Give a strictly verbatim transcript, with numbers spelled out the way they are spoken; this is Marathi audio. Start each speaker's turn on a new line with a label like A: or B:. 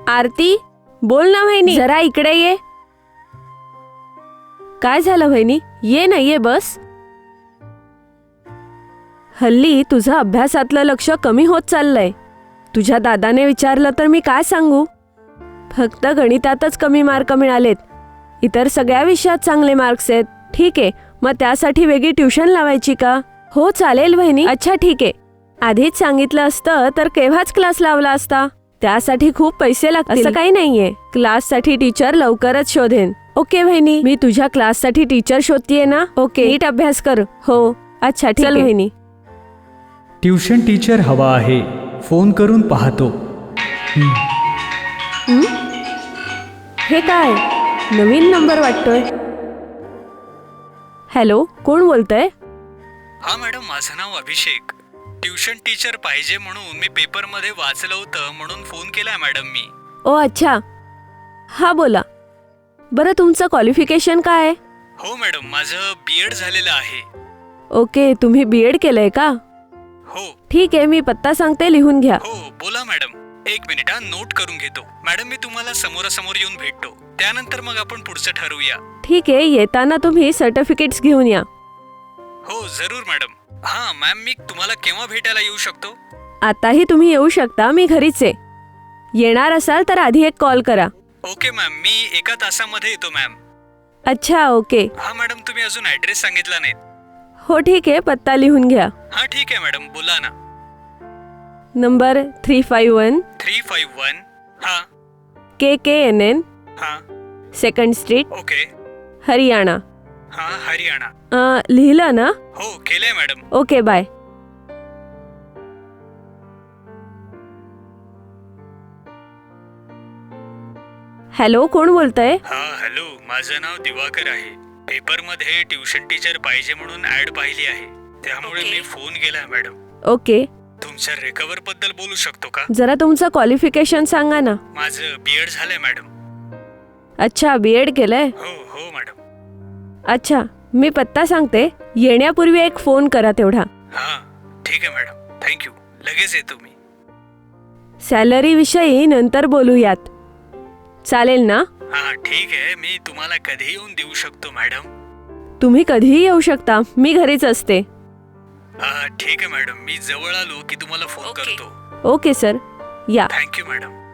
A: आरती, बोल ना वहिनी, जरा इकडे ये. काय झालं वहिनी? ये ना, ये बस. हल्ली तुझं अभ्यासातलं लक्ष कमी होत चाललंय. तुझ्या दादाने विचारलं तर मी काय सांगू? फक्त गणितातच कमी मार्क मिळालेत. इतर सगळ्या विषयात चांगले मार्क्स आहेत. ठीक आहे, मग त्यासाठी वेगळी ट्युशन लावायची का? हो चालेल वहिनी. अच्छा ठीक आहे. आधीच सांगितलं असतं तर केव्हाच क्लास लावला असता. त्यासाठी खूप पैसे लागतील. असं काही नाहीये. क्लाससाठी टीचर लवकरच शोधेन. ओके वहिनी, मी तुझ्या क्लाससाठी टीचर शोधतीये ना. ओके, नीट अभ्यास कर. हो अच्छा ठीक आहे वहिनी.
B: ट्युशन टीचर हवा आहे, फोन करून पाहतो.
A: हे काय, नवीन नंबर वाटतोय. हॅलो, कोण बोलतंय?
B: हा मॅडम, माझं नाव अभिषेक. ट्युशन टीचर पाहिजे म्हणून मी पेपरमध्ये वाचलं होतं, म्हणून फोन केलाय मॅडम मी.
A: ओ अच्छा, हा बोला. बरं, तुमचं क्वालिफिकेशन काय आहे?
B: हो मॅडम, माझं बी एड झालेलं आहे.
A: ओके, तुम्ही बी एड केलंय का?
B: हो.
A: ठीक आहे, मी पत्ता सांगते, लिहून घ्या.
B: हो बोला मॅडम. एक मिनिट हा, नोट करून घेतो. मॅडम, मी तुम्हाला समोरासमोर येऊन भेटतो, त्यानंतर मग आपण पुढचं ठरवूया.
A: ठीक आहे, येताना तुम्ही सर्टिफिकेट्स घेऊन या.
B: हो जरूर मॅडम. हा मॅम, मी तुम्हाला केव्हा भेटायला येऊ शकतो?
A: आताही तुम्ही येऊ शकता, मी घरीच आहे. येणार असाल तर आधी एक कॉल करा.
B: ओके मॅम, मी एका तासामध्ये येतो मॅम.
A: अच्छा ओके.
B: हा मॅडम, तुम्ही अजून ऍड्रेस सांगितला नाही.
A: हो ठीक आहे, पत्ता लिहून घ्या.
B: हा ठीक आहे मॅडम, बोला ना.
A: Number three five one
B: three five one. हा
A: के के एन एन
B: हा
A: सेकंड स्ट्रीट,
B: ओके.
A: हरियाणा.
B: हा हरियाणा.
A: अं, लिहिलं ना?
B: हो केलंय मॅडम.
A: Okay bye. हॅलो, कोण बोलतंय?
B: हा हॅलो, माझं नाव दिवाकर आहे. पेपरमध्ये ट्युशन टीचर पाहिजे म्हणून ऍड पाहिली आहे, त्यामुळे मी फोन केलाय मॅडम.
A: ओके,
B: तुमच्या रिकव्हर बद्दल बोलू शकतो का?
A: जरा तुमचं क्वालिफिकेशन सांगा ना.
B: माझं बी एड झालंय मॅडम.
A: अच्छा, बी एड केलंय.
B: हो हो मॅडम.
A: अच्छा, मी पत्ता सांगते, येण्यापूर्वी एक फोन करा तेवढा.
B: हा ठीक आहे मॅडम, थँक्यू. लगेच येतो मी.
A: सॅलरी विषयी नंतर बोलूयात, चालेल ना?
B: हा ठीक आहे, मी तुम्हाला कधी येऊन देऊ शकतो मॅडम?
A: तुम्ही कधीही येऊ शकता, मी घरीच असते.
B: हा ठीक आहे मॅडम, मी जवळ आलो की तुम्हाला फोन करतो.
A: ओके सर, या.
B: Thank you madam.